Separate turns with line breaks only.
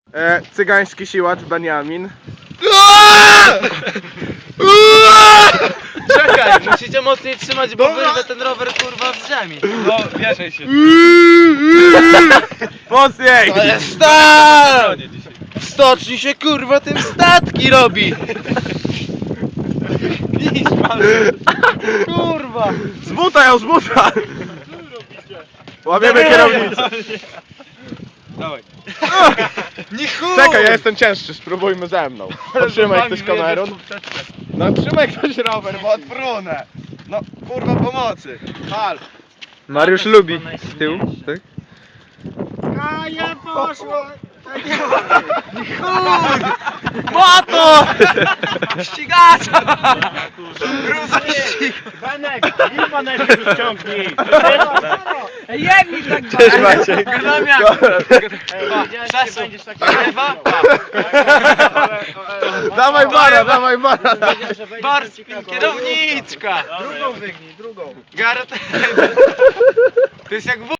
Cygański siłacz Beniamin.
Czekaj, musicie mocniej trzymać, bo wyrwę ten rower kurwa z ziemi.
No, wierzaj się.
Mocniej!
To jest stal! W stoczni się kurwa tym statki robi. Kurwa.
Z buta ją, z buta! Łamiemy kierownicę.
Dawaj.
Nie chuj!
Czekaj, ja jestem cięższy, spróbujmy ze mną. Potrzymaj ktoś kamerą. No trzymaj ktoś rower, bo odprunę. No kurwa pomocy. Hal.
Mariusz lubi z tyłu, tak?
A ja poszło.
Moto! Ścigacza!
Benek, ilma najpierw ściągnij.
Jedni tak
Cześć Maciej.
Będziesz taki lewa?
Dawaj bara, dawaj bara.
Barspin, kierowniczka!
Drugą wygnij, drugą.
Gareth. To jest jak